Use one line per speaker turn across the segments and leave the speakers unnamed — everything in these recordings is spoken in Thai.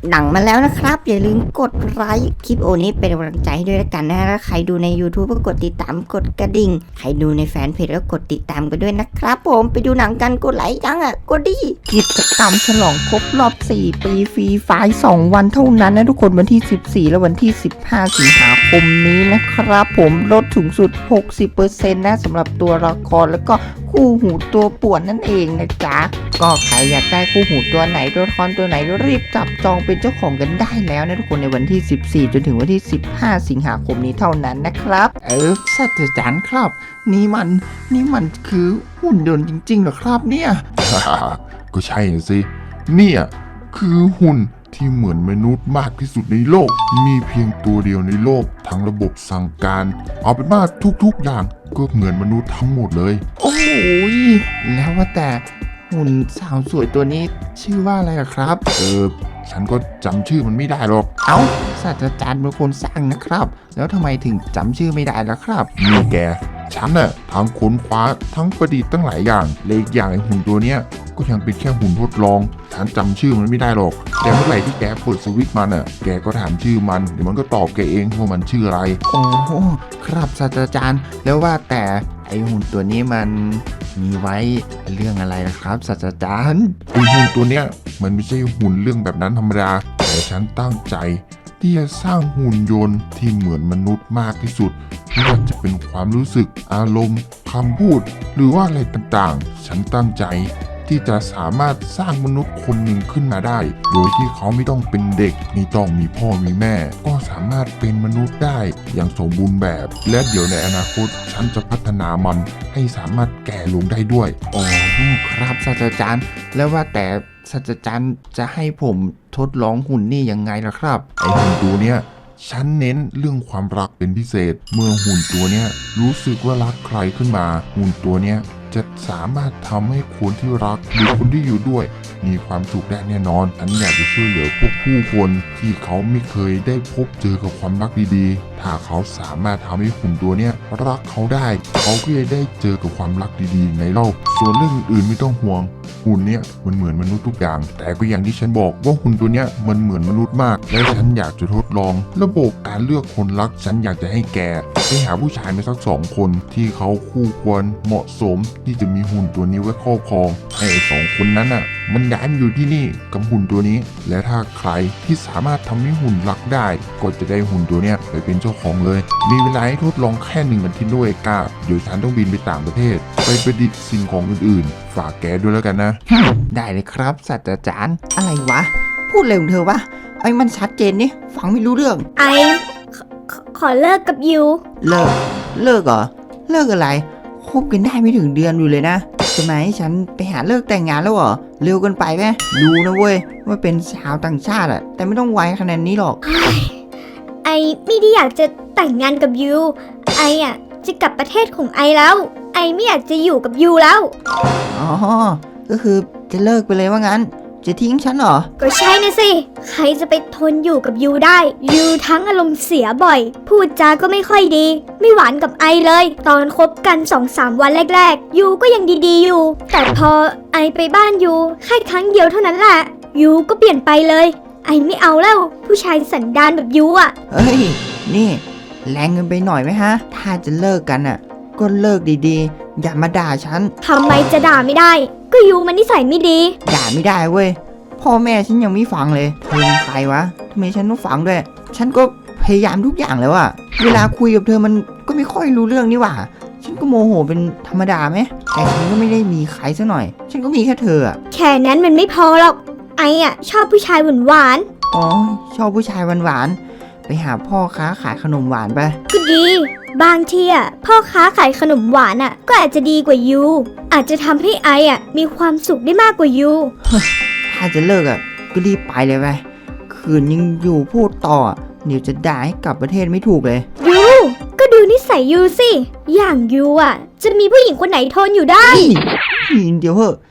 หนังมาแล้วนะครับอย่าลืมกดไลค์คลิปโอนี้เป็นกำลังใจให้ด้วยละกันนะแล้วใครดูใน YouTube ก็กดติดตามกดกระดิ่งใครดูในแฟนเพจก็กดติดตามกันด้วยนะครับผมไปดูหนังกันกดไลค์ยังกดดิกิจกรรมฉลองครบรอบ4 ปีฟรีไฟล์2 วันเท่านั้นนะทุกคนวันที่14และวันที่15สิงหาคมนี้นะครับผมลดถึงสุด 60% นะสำหรับตัวละครแล้วก็คู่หูตัวป่วนนั่นเองนะจ๊ะก็ใครอยากได้คู่หูตัวไหนตัวละครตัวไหนรีบจับจองเป็นเจ้าของกันได้แล้วนะทุกคนในวันที่14จนถึงวันที่15สิงหาคมนี้เท่านั้นนะครับศาสตราจารย์ครับนี่มันคือหุ่นยนต์จริงๆเหรอครับเนี่ย
ก็ใช่สิเนี่ยคือหุ่นที่เหมือนมนุษย์มากที่สุดในโลกมีเพียงตัวเดียวในโลกทั้งระบบสั่งการเอาเป็นว่าทุกๆอย่างก็เหมือนมนุษย์ทั้งหมดเลย
โอ้ยแล้วว่าแต่หุ่นสาวสวยตัวนี้ชื่อว่าอะไรล่ะครับ
ฉันก็จำชื่อมันไม่ได้หรอก
เอ้าศาสตราจารย์เป็นคนสร้างนะครับแล้วทำไมถึงจำชื่อไม่ได้ล่ะครับ
นี่แกฉันน่ะทั้งค้นคว้าทั้งประดิษฐ์ตั้งหลายอย่างเลยอีกอย่างไอ้หุ่นตัวเนี้ยก็ยังเป็นแค่หุ่นทดลองฉันจำชื่อมันไม่ได้หรอกแต่เมื่อไหร่ที่แกเปิดสวิตช์มันน่ะแกก็ถามชื่อมันเดี๋ยวมันก็ตอบแกเองว่ามันชื่ออะไร
โอ้โหครับศาสตราจารย์แล้วว่าแต่ไอหุ่นตัวนี้มันมีไว้เรื่องอะไรล่ะครับศาสตราจารย์
ไอ้หุ่นตัวเนี้ยมันไม่ใช่หุ่นเรื่องแบบนั้นธรรมดาแต่ฉันตั้งใจที่จะสร้างหุ่นยนต์ที่เหมือนมนุษย์มากที่สุดไม่ว่าจะเป็นความรู้สึกอารมณ์คำพูดหรือว่าอะไรต่างๆฉันตั้งใจที่จะสามารถสร้างมนุษย์คนหนึ่งขึ้นมาได้โดยที่เขาไม่ต้องเป็นเด็กไม่ต้องมีพ่อมีแม่ก็สามารถเป็นมนุษย์ได้อย่างสมบูรณ์แบบและเดี๋ยวในอนาคตฉันจะพัฒนามันให้สามารถแก่ลงได้ด้วย
โอ้ครับศาสตราจารย์แล้วว่าแต่ศาสตราจารย์จะให้ผมทดลองหุ่นนี่ยังไงล่ะครับ
ไอ้หุ่นตัวเนี้ยฉันเน้นเรื่องความรักเป็นพิเศษ เมื่อหุ่นตัวเนี้ยรู้สึกว่ารักใครขึ้นมาหุ่นตัวเนี้ยจะสามารถทำให้คนที่รักหรือคนที่อยู่ด้วยมีความสุขได้แน่นอนฉันอยากจะช่วยเหลือพวกผู้คนที่เขาไม่เคยได้พบเจอกับความรักดีๆถ้าเขาสามารถทำให้หุ่นตัวเนี้ยรักเขาได้เขาก็จะได้เจอกับความรักดีๆในโลกส่วนเรื่องอื่นไม่ต้องห่วงหุ่นเนี้ยมันเหมือนมนุษย์ทุกอย่างแต่ก็อย่างที่ฉันบอกว่าหุ่นตัวเนี้ยมันเหมือนมนุษย์มากและฉันอยากจะทดลองระบบการเลือกคนรักฉันอยากจะให้แกไปหาผู้ชายมาสัก2 คนที่เขาคู่ควรเหมาะสมที่จะมีหุ่นตัวนี้ไว้ครอบครองให้2 คนนั้นน่ะมันย้ายมาอยู่ที่นี่กับหุ่นตัวนี้และถ้าใครที่สามารถทำให้หุ่นรักได้ก็จะได้หุ่นตัวเนี้ยไปเป็นเจ้าของเลยมีเวลาให้ทดลองแค่1 อาทิตย์ด้วยกล้าเดี๋ยวฉันต้องบินไปต่างประเทศไปประดิษฐ์สิ่งของอื่นๆฝากแกด้วยแล้วกันนะ
ได้เลยครับศาสตราจารย์
อะไรวะพูดเร็วของเธอวะไอ้มันชัดเจนนี่ฟังไม่รู้เรื่อง
ขอเลิกกับยู
เลิกเหรอเลิกอะไรคบกันได้ไม่ถึงเดือนอยู่เลยนะจะมาให้ฉันไปหาเลิกแต่งงานแล้วเหรอเร็วเกินไปไหมรู้นะเว้ยว่าเป็นชาวต่างชาติอะแต่ไม่ต้องไวขนาดนี้หรอก
ไอไม่ได้อยากจะแต่งงานกับยูไออ่ะจะกลับประเทศของไอแล้ว ไอไม่อยากจะอยู่กับยูแล้ว
อ๋อก็คือจะเลิกไปเลยว่างั้นจะทิ้งฉันเหรอ
ก็ใช่นะสิใครจะไปทนอยู่กับยูได้ยูทั้งอารมณ์เสียบ่อย พูดจาก็ไม่ค่อยดี ไม่หวานกับไอเลย ตอนคบกัน 2-3 วันแรกๆยูก็ยังดีๆอยู่ แต่พอไอไปบ้านยูแค่ครั้งเดียวเท่านั้นแหละยูก็เปลี่ยนไปเลย ไอไม่เอาแล้วผู้ชายสันดานแบบยูอ่ะ
เฮ้ยนี่แรงเกินไปหน่อยไหมฮะถ้าจะเลิกกันอะก็เลิกดีๆอย่ามาด่าฉัน
ทำไมจะด่าไม่ได้ ก็ยูมันนิสัยไม่ดี
ด่าไม่ได้เว้ยพ่อแม่ฉันยังไม่ฟังเลยเธอเป็นใครวะทำไมฉันต้องฟังด้วยฉันก็พยายามทุกอย่างแล้วอะเวลาคุยกับเธอมันก็ไม่ค่อยรู้เรื่องนี่หว่าฉันก็โมโหเป็นธรรมดาไหมแต่ฉันก็ไม่ได้มีใครซะหน่อย ฉันก็มีแค่เธออะ
แค่นั้นมันไม่พอหรอก ไออ่ะชอบผู้ชายหวาน
อ๋อชอบผู้ชายหวานๆไปหาพ่อค้าขายขนมหวานไป
ๆก็ดี บางทีอ่ะพ่อค้าขายขนมหวานอ่ะก็อาจจะดีกว่ายูอาจจะทำให้ไออ่ะมีความสุขได้มากกว่ายู
ถ้าจะเลิกอะก็รีบไปเลยไปคืนยังอยู่พูดต่ออะเดี๋ยวจะด่าให้กลับประเทศไม่ถูกเลย
ยูก็ดูนิสัยยูสิอย่างยูอ่ะจะมีผู้หญิงคนไหนทนอยู่ได้
เดี๋ยวเหอะ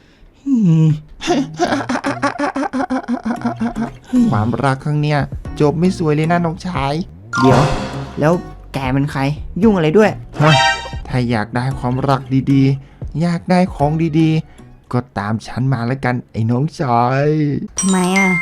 ความรักครั้งเนี้ยจบไม่สวยเลยนะน้องชาย
เดี๋ยว แล้วแกเป็นใคร ยุ่งอะไรด้วย
ถ้าอยากได้ความรักดีๆ อยากได้ของดีๆ ก็ตามฉันมาแล้วกันไอ้น้องชาย
ทำไมอ่ะ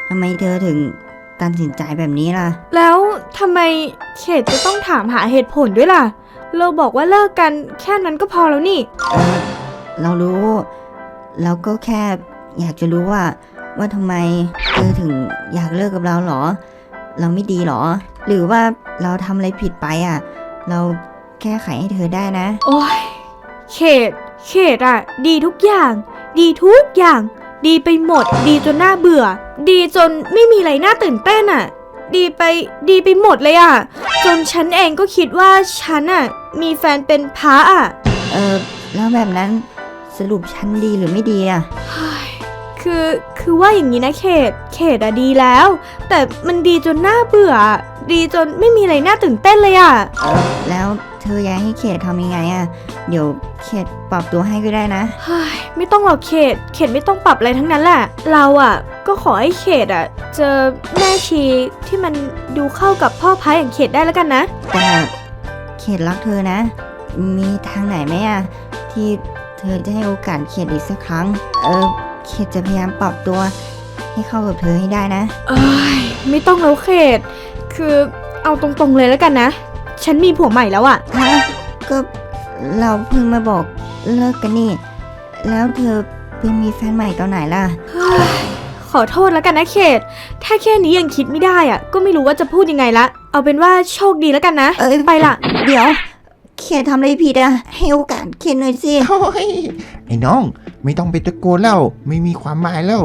ทำไมเธอถึงตัดสินใจแบบนี้ล่ะ
แล้วทำไมเขตจะต้องถามหาเหตุผลด้วยล่ะ เราบอกว่าเลิกกันแค่นั้นก็พอแล้วนี่
เรารู้ เราก็แค่อยากจะรู้ว่าทำไมเธอถึงอยากเลิกกับเราหรอ เราไม่ดีหรอ หรือว่าเราทำอะไรผิดไปอ่ะ เราแก้ไขให้เธอได้นะ
โอ้ยเขตอะดีทุกอย่าง ดีทุกอย่าง ดีไปหมด ดีจนน่าเบื่อ ดีจนไม่มีอะไรน่าตื่นเต้นอะดีไปหมดเลยอะจนฉันเองก็คิดว่าฉันอะมีแฟนเป็นพระอะ
แล้วแบบนั้นสรุปฉันดีหรือไม่ดีอ่ะ
คือว่าอย่างนี้นะเขตอะดีแล้ว แต่มันดีจนน่าเบื่อ ดีจนไม่มีอะไรน่าตื่นเต้นเลยอะ
แล้วเธออยากให้เขตทำยังไงอ่ะ เดี๋ยวเขตปรับตัวให้ก็ได้นะ
เฮ้ยไม่ต้องหรอกเขตไม่ต้องปรับอะไรทั้งนั้นแหละ เราอะก็ขอให้เขตอะเจอแม่ชีที่มันดูเข้ากับพ่อพายอย่างเขตได้แล้วกันนะ
แต่เขตรักเธอนะ มีทางไหนไหมอ่ะที่เธอจะให้โอกาสเขตอีกสักครั้ง เขตจะพยายามปรับตัวให้เข้ากับเธอให้ได้นะ
เอ้ยไม่ต้องแล้วเขต คือเอาตรงๆเลยแล้วกันนะ ฉันมีผัวใหม่แล้วอะ
ฮะ ก็เราเพิ่งมาบอกเลิกกันนี่ แล้วเธอไปมีแฟนใหม่ตอนไหนล่ะ
เฮ้ยขอโทษแล้วกันนะเขต ถ้าแค่นี้ยังคิดไม่ได้อะก็ไม่รู้ว่าจะพูดยังไงละ เอาเป็นว่าโชคดีแล้วกันนะ ไปละ
เดี๋ยว เขตทำอะไรผิดอ่ะ ให้โอกาสเขตหน่อยสิ
โอ้ยไอ้น้องไม่ต้องไปตะโกนแล้วไม่มีความหมายแล้ว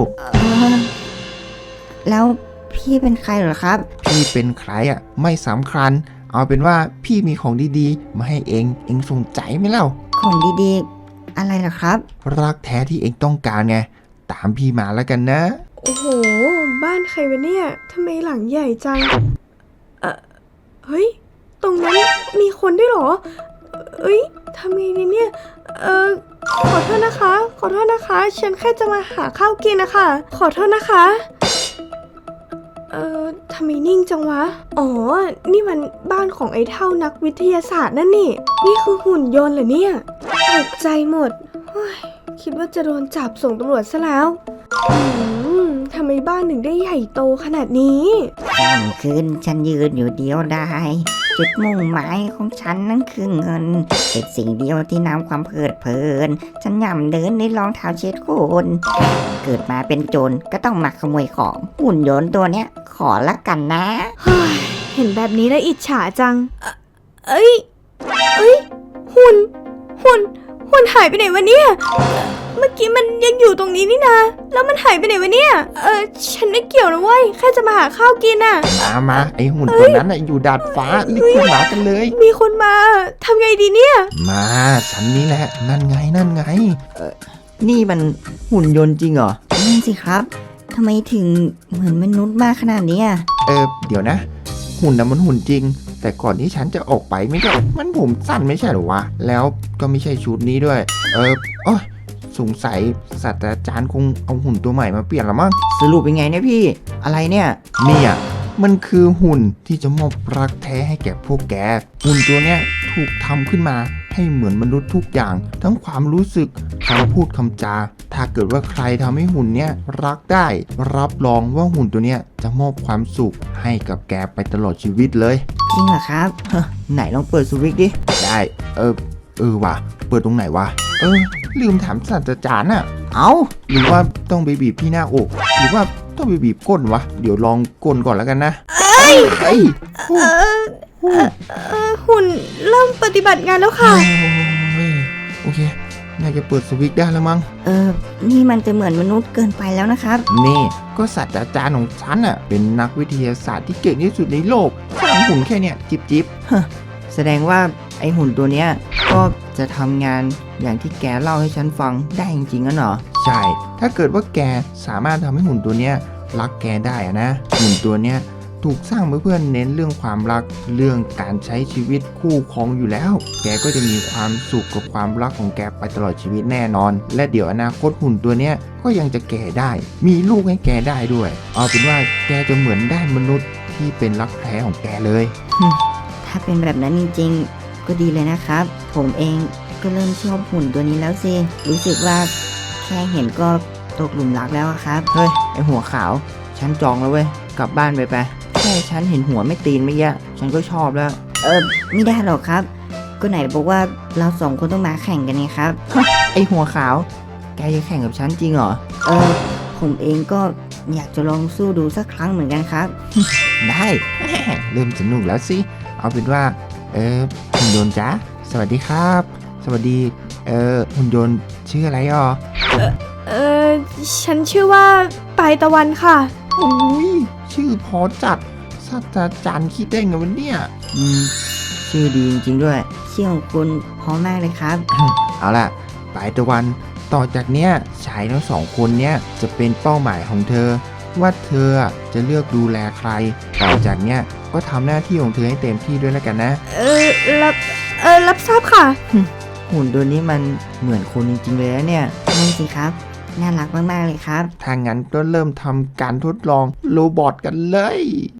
แล้วพี่เป็นใครเหรอครับ
พี่เป็นใครอ่ะไม่สำคัญ เอาเป็นว่าพี่มีของดีๆ มาให้เองสนใจไหมเล่า
ของดีๆ อะไรเหรอครับ
รักแท้ที่เองต้องการไง ตามพี่มาแล้วกันนะ
โอ้โห บ้านใครวะเนี่ยทำไมหลังใหญ่จัง เฮ้ย ตรงนั้นมีคนด้วยเหรอ เอ้ยทำไงดีเนี่ย ขอโทษนะคะ ขอโทษนะคะ ฉันแค่จะมาหาข้าวกินนะคะ ขอโทษนะคะ ทำไมนิ่งจังวะ อ๋อ นี่มันบ้านของไอ้เท่านักวิทยาศาสตร์นั่นนี่ นี่คือหุ่นยนต์เหรอเนี่ยตกใจหมดเฮ้ยคิดว่าจะโดนจับส่งตำรวจซะแล้ว ทำไมบ้านถึงได้ใหญ่โตขนาดนี้
ค่ำคืนฉันยืนอยู่เดียวดายจุดมุ่งหมายของฉันนั้นคือเงินเป็นสิ่งเดียวที่นำความเพลิดเพลิน ฉันย่ำเดินในรองเท้าเช็ดโคนเกิดมาเป็นโจรก็ต้องมาขโมยของหุ่นยนต์ตัวเนี้ย ขอละกันนะ
เฮ้ยเห็นแบบนี้แล้วอิจฉาจัง เอ้ย หุ่นหายไปไหนวะเนี่ย เมื่อกี้มันยังอยู่ตรงนี้นี่นะ แล้วมันหายไปไหนวะเนี่ย ฉันไม่เกี่ยวนะเว้ย แค่จะมาหาข้าวกินน่ะ
มาไอ้หุ่นตัวนั้นน่ะอยู่ดาดฟ้ารีบขึ้นมากันเลย
มีคนมา ทำไงดีเนี่ย
มาฉันนี่แหละนั่นไง
นี่มันหุ่นยนต์จริงเหรอนั่นสิครับทำไมถึงเหมือนมนุษย์มากขนาดนี้อ่ะ
เดี๋ยวนะ หุ่นน่ะมันหุ่นจริง แต่ก่อนที่ฉันจะออกไปไม่ใช่มันผมสั้นไม่ใช่หรอวะ แล้วก็ไม่ใช่ชุดนี้ด้วย โอ้ยสงสัยศาสตราจารย์คงเอาหุ่นตัวใหม่มาเปลี่ยนละมั้ง
สรุปเป็นไงเนี่ยพี่ อะไรเนี่ย
เนี่ยมันคือหุ่นที่จะมอบรักแท้ให้แก่พวกแก หุ่นตัวเนี้ยถูกทำขึ้นมาให้เหมือนมนุษย์ทุกอย่าง ทั้งความรู้สึกคำพูดคำจา ถ้าเกิดว่าใครทำให้หุ่นเนี้ยรักได้ รับรองว่าหุ่นตัวเนี้ยจะมอบความสุขให้กับแกไปตลอดชีวิตเลย
จริงเหรอครับไหนลองเปิดสวิตช์ดิ
ได้ว่ะเปิดตรงไหนวะลืมถามศาสตราจารย์น่ะ หรือว่าต้องไปบีบที่หน้าอก หรือว่าต้องไปบีบก้นวะ เดี๋ยวลองก้นก่อนแล้วกันนะ
หุ่นเริ่มปฏิบัติงานแล้วค่ะ
โอเค น่าจะเปิดสวิตช์ได้แล้วมั้ง
นี่มันจะเหมือนมนุษย์เกินไปแล้วนะครับ
นี่ก็ศาสตราจารย์ของฉันอ่ะเป็นนักวิทยาศาสตร์ที่เก่งที่สุดในโลกสร้างหุ่นแค่เนี้ยจิบ
แสดงว่าไอหุ่นตัวเนี้ยก็จะทำงานอย่างที่แกเล่าให้ฉันฟังได้จริงๆงั้นเหรอ
ใช่ ถ้าเกิดว่าแกสามารถทำให้หุ่นตัวเนี้ยรักแกได้อะนะ หุ่นตัวเนี้ยถูกสร้างมาเพื่อเน้นเรื่องความรัก เรื่องการใช้ชีวิตคู่ครองอยู่แล้ว แกก็จะมีความสุขกับความรักของแกไปตลอดชีวิตแน่นอน และเดี๋ยวอนาคตหุ่นตัวเนี้ยก็ยังจะแก่ได้ มีลูกให้แกได้ด้วย เอาเป็นว่าแกจะเหมือนได้มนุษย์ที่เป็นรักแท้ของแกเลย
ถ้าเป็นแบบนั้นจริงๆ ก็ดีเลยนะครับ ผมเองก็เริ่มชอบหุ่นตัวนี้แล้วสิ รู้สึกว่าแค่เห็นก็ตกหลุมรักแล้วอะครับ
เฮ้ยไอหัวขาว ฉฉันจองแล้วเว้ย กลับบ้านไปแค่ฉันเห็นหัวไม่ตีนเมื่อกี้ฉันก็ชอบแล้ว
ไม่ได้หรอกครับ ก็ไหนบอกว่าเราสองคนต้องมาแข่งกันไงครับ
ไอหัวขาว แกจะแข่งกับฉันจริงเหรอ
ผมเองก็อยากจะลองสู้ดูสักครั้งเหมือนกันครับ
ได้ เริ่มสนุกแล้วสิ เอาเป็นว่า หุ่นยนต์จ๊ะ สวัสดีครับ สวัสดี หุ่นยนต์ชื่ออะไรอ่อ
เออฉันชื่อว่าปลายตะวันค่ะ
อุ้ยชื่อพอจัดศาสตราจารย์คิดได้ไงวะเนี่ย
ชื่อดีจริงๆด้วยชื่อของคุณเพราะมากเลยครับ
เอาล่ะปลายตะวันต่อจากเนี้ยชายทั้งสองคนเนี้ยจะเป็นเป้าหมายของเธอ ว่าเธอจะเลือกดูแลใคร ต่อจากเนี้ยก็ทำหน้าที่ของเธอให้เต็มที่ด้วยแล้วกันนะ
รับทราบค่ะ
หุ่นตัวนี้มันเหมือนคนจริงๆเลยนะเนี่ย
นั่นสิครับ น่ารักมากๆเลยครับ
ถ้างั้นก็เริ่มทำการทดลองโรบอทกันเลย